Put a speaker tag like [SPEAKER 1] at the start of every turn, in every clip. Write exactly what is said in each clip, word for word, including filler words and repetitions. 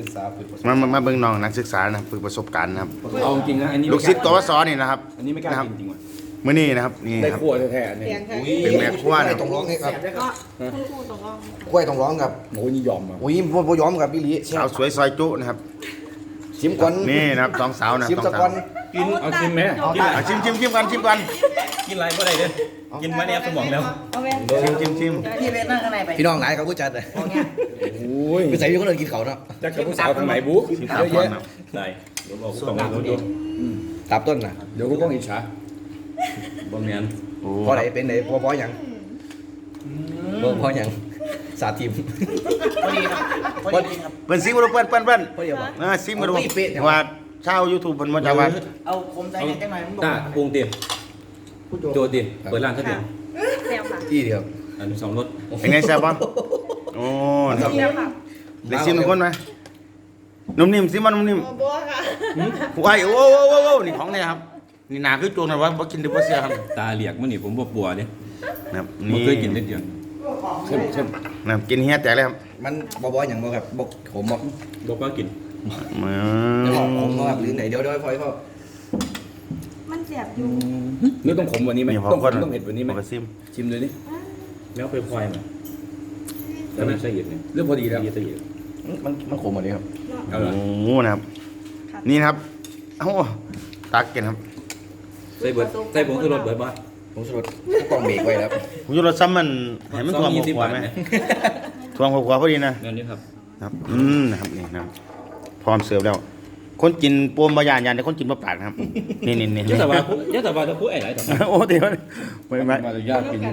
[SPEAKER 1] กษาฝึก
[SPEAKER 2] มามามาเบิ่งน้องนักศึกษานะครับฝึกประสบการณ์นะครับ
[SPEAKER 3] เอาจริงนะอันนี้
[SPEAKER 2] ลูกศิษย์กวสนี่นะครับ
[SPEAKER 3] อันนี้ไม่กล้า
[SPEAKER 2] นะครับ
[SPEAKER 3] กินจริงว่ะ
[SPEAKER 2] มื้อนี้นะครับนี่
[SPEAKER 3] ได้
[SPEAKER 2] ครับ
[SPEAKER 3] ขั้วแท้ๆเนี่ย
[SPEAKER 2] เป็นแม่ครัวนะ
[SPEAKER 1] ต้องร้องให้ครับ
[SPEAKER 4] ก็คุณครูตรงร้อง
[SPEAKER 1] กล้วยต้องร้องครับ
[SPEAKER 3] โอ้ยนี่ยอมอ่ะ
[SPEAKER 1] อุ้ยบ่บ่ยอมครับพี่ลี
[SPEAKER 2] สาวสวยซอยจุนะครับ
[SPEAKER 1] ชิมก่อน
[SPEAKER 2] นี่นะครับสองสาวนะ
[SPEAKER 1] ชิม
[SPEAKER 2] สอง
[SPEAKER 1] ตะ
[SPEAKER 2] สา
[SPEAKER 1] ก่อ
[SPEAKER 2] วน
[SPEAKER 3] กินเอากินไหมกิน
[SPEAKER 2] อ่ะชิมชิมชิมกันชิมกัน
[SPEAKER 3] กินอะไรก็ได้เด้อกินมาเนี่ยสมองแล้ว
[SPEAKER 4] เอาไป
[SPEAKER 2] ชิมชิมชิม
[SPEAKER 5] พี่เวทนั่งข้างในไป
[SPEAKER 1] พี่น้องหลายครับผู้จัดเลย
[SPEAKER 3] โอ้ย
[SPEAKER 1] ไปใส่พี่คนอื่นกินเขาเนาะ
[SPEAKER 3] จักกับผู้สาวทางไหนบุ๊
[SPEAKER 2] ชิม
[SPEAKER 3] เย
[SPEAKER 2] สาม
[SPEAKER 3] อะ
[SPEAKER 2] คน
[SPEAKER 3] แยะ
[SPEAKER 2] นะ
[SPEAKER 3] ได้เดี๋ยวบอกสองคนดู
[SPEAKER 1] ตับต้นน่ะ
[SPEAKER 3] เดี๋ยวกูก็อิจฉาบ่แม่น
[SPEAKER 2] โอ้
[SPEAKER 1] พอไหนเป็นไหนพอพอหยังพอพอหยังสาธิม
[SPEAKER 5] พอดีครับพอดีครับ
[SPEAKER 2] เปิ้นซิมกันดูเปิ้นเปิ้นเปิ้น
[SPEAKER 1] พอดีบ่
[SPEAKER 2] อ่าซิมกันดู
[SPEAKER 1] เอาไปเป๊ะเนี่ย
[SPEAKER 2] ว่าชาว YouTube เพิ่นมาจากว่า
[SPEAKER 5] เอาคมใจเนี่ยจังหน่อยมันบอก
[SPEAKER 3] ตาปรุงเตียโจเตียเปิดร้านซะเดียว
[SPEAKER 4] เซลค่ะ
[SPEAKER 1] ที่เดียว
[SPEAKER 3] อันสองรถ
[SPEAKER 2] เป็นไงแซ่บบ่โอ้นะครับ
[SPEAKER 4] เซลค่ะ
[SPEAKER 2] ได้ซิมทุกคนไหมนุ่มนิ่มซิมมันนุ่มนิ่ม
[SPEAKER 4] บัวค่ะ
[SPEAKER 2] ไอ้โอ้โอ้โอ้โอ้นี่ของเนี่ยครับนี่หนาคือโจรนะวะบ่กินดิบ่เสียครับ
[SPEAKER 3] ตาเหลียกมันนี่ผมบ่ปัวเด้
[SPEAKER 2] นะครับ
[SPEAKER 3] บ่
[SPEAKER 2] นี่
[SPEAKER 3] เคยกินนิดเดียวเข้มเข้ม
[SPEAKER 2] นะครับกินเฮียแตกเลยครับ
[SPEAKER 1] มันบ่บ่หยังบ่ครับบ่ผมบ่
[SPEAKER 3] บ่กล้ากิน
[SPEAKER 2] อื
[SPEAKER 1] เดี๋ยว
[SPEAKER 2] ม
[SPEAKER 1] ผมบ่ครับหรือไหนเดี๋ยวเดี๋ยวพอพอ
[SPEAKER 4] มันเจ็บอยู่
[SPEAKER 3] นี่ต้องขมกวันนี้ไหม
[SPEAKER 2] นี่พอ
[SPEAKER 3] ต้องข
[SPEAKER 2] ก่อน
[SPEAKER 3] มต้องเผ็ดกวันนี้ไหม
[SPEAKER 2] พอซิม
[SPEAKER 3] ชิมเลยดิแล้วไปควายมาแล้วมันละเอียดเนี่ยเรื่องพอดีแล้วละเอียด
[SPEAKER 1] มันมันขมหมดเลยครับ
[SPEAKER 3] เอาละ
[SPEAKER 2] โอ้นะครับ นี่นะครับเอ้าตักกินครับ
[SPEAKER 3] ใส่เบิดใส่ผงชูรสเบิดบ่
[SPEAKER 1] ผมสรุปกล่องเบรกไว้แล้ว
[SPEAKER 2] ผมจะรสซ้ำมันให้มันท่วมหัวไหมท่วมหัวพอดีนะ
[SPEAKER 3] นั่นนี่ครับ
[SPEAKER 2] ครับอืมนะครับนี่นะครับพร้อมเสิร์ฟแล้ว คนกินปมบะยานยานแต่คนกินบะปากนะครับนี่นี่นี่
[SPEAKER 3] ยะแต่ว่าเยอะแต่ว่าจะพูดไอ้ไหนต่อ
[SPEAKER 2] โอ้เดี๋ยวไม่ไม่
[SPEAKER 3] มาจะยากกิน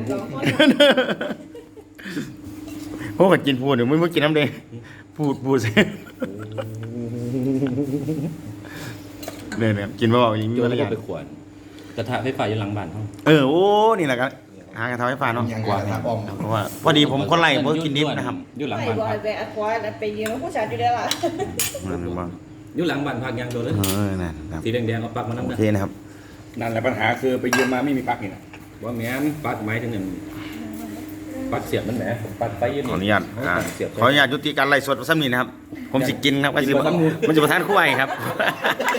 [SPEAKER 2] พวกกันกินพูดเดี๋ยวไม่ไม่กินน้ำเดงพูดพูดสิเนี่ยเนี่ยกินมาบอกอย่างนี้
[SPEAKER 3] โจ
[SPEAKER 2] มี
[SPEAKER 3] น
[SPEAKER 2] อะไร
[SPEAKER 3] แล้ว
[SPEAKER 2] อ
[SPEAKER 3] ก็
[SPEAKER 2] ย่าง
[SPEAKER 3] ไปขวนกระทะไฟฟ้าอยู่หลังบ้านเขา
[SPEAKER 2] เออโอ้นี่แหละกันหากระทำให้ฟ้าเนาะ
[SPEAKER 1] ยังกว่าครับอ้อม
[SPEAKER 2] เพราะว่าพอดีผมคนไล่ผมกินดิบนะครับ
[SPEAKER 3] อยู่หลัง
[SPEAKER 4] ไอ้
[SPEAKER 3] บ้าน
[SPEAKER 4] บอ
[SPEAKER 3] พั
[SPEAKER 4] ย
[SPEAKER 3] ก
[SPEAKER 4] แบกควายแล้วไปยืนแล้วผู้ชายอยู่ได้ละ
[SPEAKER 2] นั่นบ้าง
[SPEAKER 3] อยู่หลังบ้านพักยังโดนเลย
[SPEAKER 2] เออนั่นครับ
[SPEAKER 3] สีแดงๆเอาปักมาน้ำ
[SPEAKER 2] โอ
[SPEAKER 3] นะ
[SPEAKER 2] เคนะครับ
[SPEAKER 3] นั่นแหละปัญหาคือไปยืมมาไม่มีปักนี่นะว่าแม้นปักไม้ถึงหนึ่งปักเสียบมันแหมปักไปยืน
[SPEAKER 2] ขออนุญาตอ่า
[SPEAKER 3] เสียบ
[SPEAKER 2] ขออนุญาตยุติการไล่สดซ้ำนี่นะครับ ผมสิกินครับว่าสิมันจะประทานคู่ไอ้ครับ